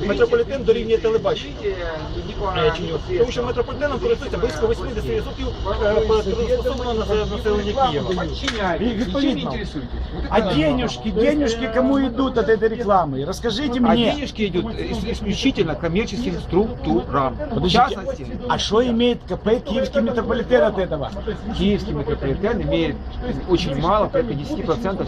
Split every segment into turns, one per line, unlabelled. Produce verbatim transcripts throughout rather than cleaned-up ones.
метрополітен дорівнює телебачення. Тому що метрополітеном користується близько вісімдесят відсотків стосовно населення Києва.
Відповідно. А денежки, денежки кому идут от этой рекламы? Расскажите
А
мне.
денежки идут исключительно коммерческим структурам. В частности,
А что имеет КП Киевский метрополитен от этого?
Киевский метрополитен имеет очень мало, порядка десяти процентов.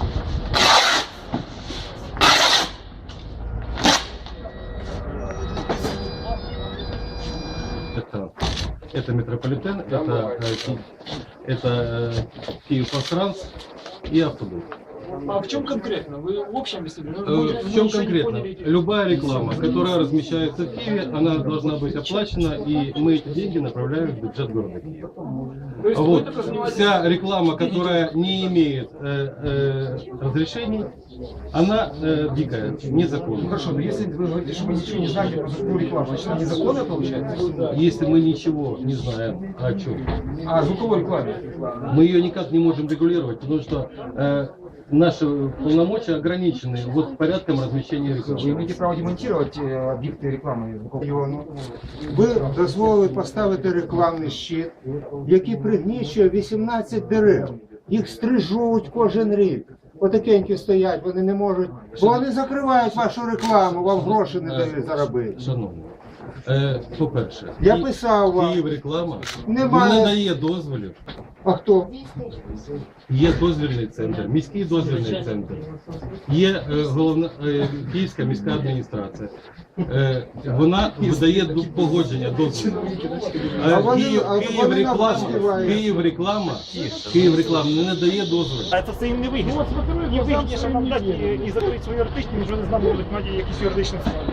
Это, это метрополитен, это, это Киев-Пастранс и автобус.
А в чем конкретно? Вы в общем, если бы...
Э, В чем конкретно? Любая реклама, которая размещается в Киеве, она должна быть оплачена, и мы эти деньги направляем в бюджет города Киева. Вот. Вся реклама, которая не имеет э, э, разрешений, она э, дикая, незаконная.
Хорошо, но если вы говорите, что вы ничего не знаете про звуковую рекламу, значит она незаконная получается?
Если мы ничего не знаем о чем,
А звуковой рекламе?
мы ее никак не можем регулировать, потому что э, наши полномочия ограничены вот порядком размещения
Вы
рекламы.
имеете право демонтировать э, объекты рекламы звуковой?
Ви дозволили поставити рекламний щит, який пригнічує вісімнадцять дерев. Їх стрижуть кожен рік. Отакенькі стоять, вони не можуть, бо вони закривають вашу рекламу, вам гроші не дають заробити.
Шановні, е, по-перше,
Я
Ки-
писав вам.
Київ реклама
Немає.
не дає дозволів.
А хто?
Є дозвільний центр, міський дозвільний центр, є е, головна е, Київська міська адміністрація. Е, вона видає до- погодження дозволів.
А
Е,
вони-
Київ,
а
Київ
вони
реклама,
нам співають.
Київ реклама, Київ реклама не надає дозволів.
А це все їм не вигідно. Їм вигідніше нам дати і, і закрити свої юридичні, ніж вони з нами будуть мати якісь юридичні справи.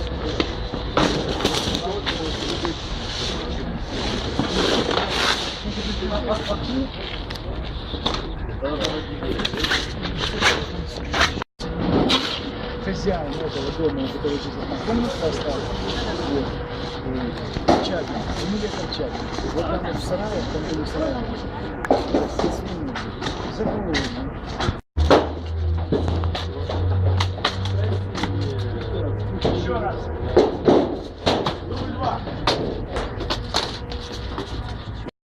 Хозяин этого дома, который здесь комнату оставил, вот, э, Чапин, фамилия Чапин. Вот там вот в сарае, там были сараи, свиньи, закрыли.